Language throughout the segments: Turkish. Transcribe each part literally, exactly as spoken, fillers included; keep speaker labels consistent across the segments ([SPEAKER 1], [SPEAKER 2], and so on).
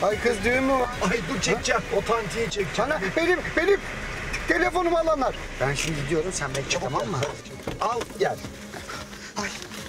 [SPEAKER 1] Ay kız düğün mü?
[SPEAKER 2] Ay dur çekeceğim. O tantiyi çekeceğim.
[SPEAKER 1] Sana benim benim telefonumu alanlar. Ben şimdi gidiyorum, sen bekle, tamam mı?
[SPEAKER 2] Al gel.
[SPEAKER 1] Ay.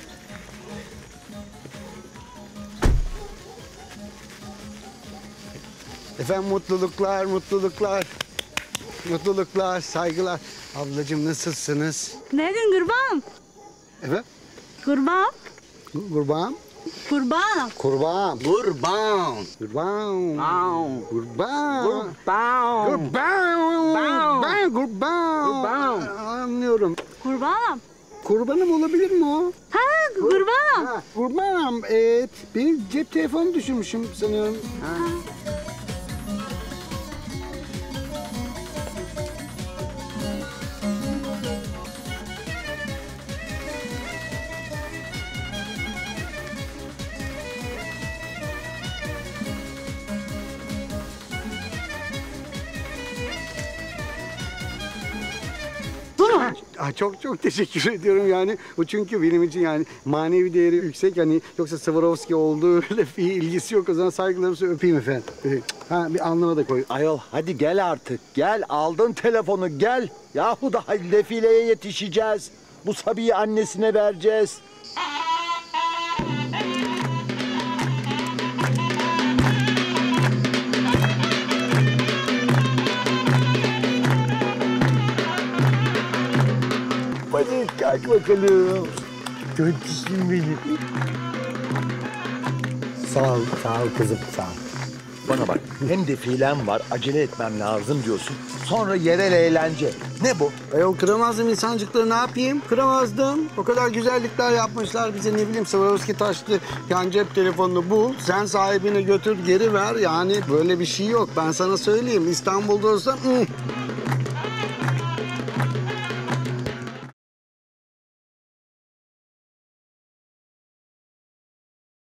[SPEAKER 1] Efendim mutluluklar, mutluluklar. Mutluluklar, saygılar. Ablacığım nasılsınız?
[SPEAKER 3] Nereden kurban?
[SPEAKER 1] Evet.
[SPEAKER 3] Kurban?
[SPEAKER 1] Kurban.
[SPEAKER 3] Kurban.
[SPEAKER 1] Kurban.
[SPEAKER 2] Kurban.
[SPEAKER 1] Kurban.
[SPEAKER 2] Kurban.
[SPEAKER 1] Kurban.
[SPEAKER 2] Kurban.
[SPEAKER 1] Kurban. Ben kurban.
[SPEAKER 2] Kurban.
[SPEAKER 1] Anlıyorum.
[SPEAKER 3] Kurban.
[SPEAKER 1] Kurbanım olabilir mi o?
[SPEAKER 3] Ha kurban.
[SPEAKER 1] Ha, kurbanım. Evet. Benim cep telefonu düşürmüşüm sanıyorum. Ha.
[SPEAKER 3] Bu mu?
[SPEAKER 1] Ah, çok çok teşekkür ediyorum yani. Bu çünkü benim için yani manevi değeri yüksek. Hani yoksa Swarovski olduğu öyle bir ilgisi yok. O zaman saygılarımı öpeyim efendim. Ha bir alnıma da koy.
[SPEAKER 2] Ayol hadi gel artık. Gel aldın telefonu gel. Yahu daha defileye yetişeceğiz. Bu Sabi'yi annesine vereceğiz. Hadi kalk bakalım. Göntüşüm benim.
[SPEAKER 1] Sağ ol, sağ ol kızım, sağ ol.
[SPEAKER 2] Bana bak hem defilem var acele etmem lazım diyorsun. Sonra yerel eğlence. Ne bu?
[SPEAKER 1] Ayol kıramazdım insancıkları, ne yapayım? Kıramazdım. O kadar güzellikler yapmışlar bize, ne bileyim Swarovski taşlı yan cep telefonunu bul. Sen sahibine götür geri ver. Yani böyle bir şey yok. Ben sana söyleyeyim. İstanbul'da olsam... ıh.